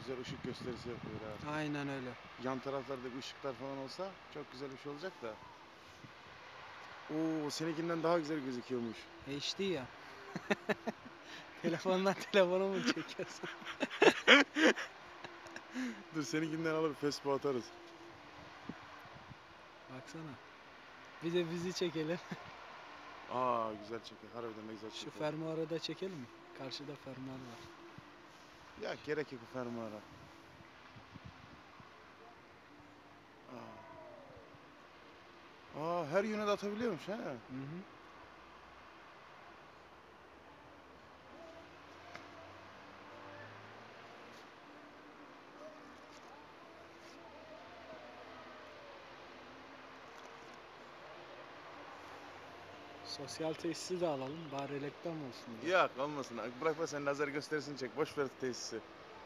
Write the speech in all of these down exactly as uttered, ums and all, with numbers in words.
güzel ışık gösterisi yapıyor ha. Aynen öyle. Yan taraflarda ışıklar falan olsa çok güzel bir şey olacak da. Oo, seninkinden daha güzel gözüküyormuş. H D ya. Telefondan telefona mı çekiyorsun? Dur seninkinden alıp Facebook'a atarız. Baksana. Bir de bizi çekelim. Aa güzel çekiyor. Harbiden ne güzel çekiyor. Şu fermuarı da çekelim mi? Karşıda fermuar var. Ya gerek yok bu fermuara. Aa. Aa her yöne de atabiliyormuş ha. Hı hı. Sosyal tesisi de alalım. Bari reklam olsun diye. Yok olmasın. Bırakma sen lazer gösterisini çek. Boş ver tesisi.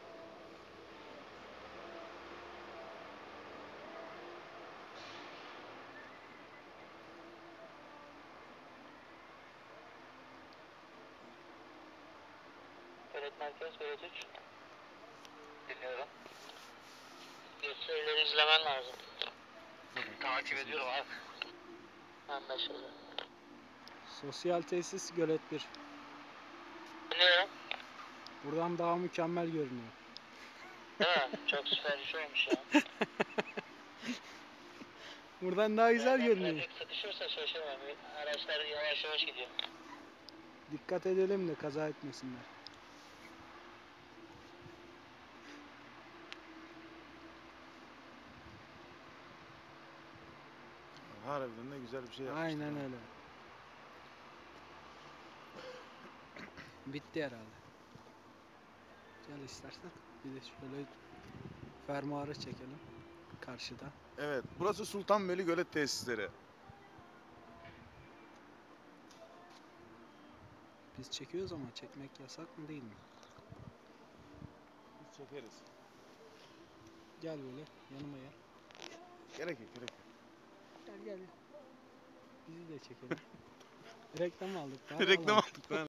Öğret merkez, öğret üç. Dinliyorum. Gösterileri izlemen lazım. Takip ediyorum abi. Anlaşıldı. Sosyal tesis Gölet bir. Dinliyorum. Buradan daha mükemmel görünüyor. Değil mi? Çok süper bir şey olmuş ya. Buradan daha güzel Birazdan görünüyor. trafik sıkışırsa şaşırmam. Araçlar yavaş yavaş gidiyor. Dikkat edelim de kaza etmesinler. Harbiden ne güzel bir şey yapmışlar. Aynen öyle. Bitti herhalde. Gel istersen. Bir de şöyle fermuarı çekelim. Karşıda. Evet, burası Sultanbeyli Gölet tesisleri. Biz çekiyoruz ama çekmek yasak mı değil mi? Biz çekeriz. Gel böyle yanıma gel. Gerek yok, gerek yok. Gel gel. Bizi de çekelim. Reklam aldık. Daha Reklam alalım. aldık lan.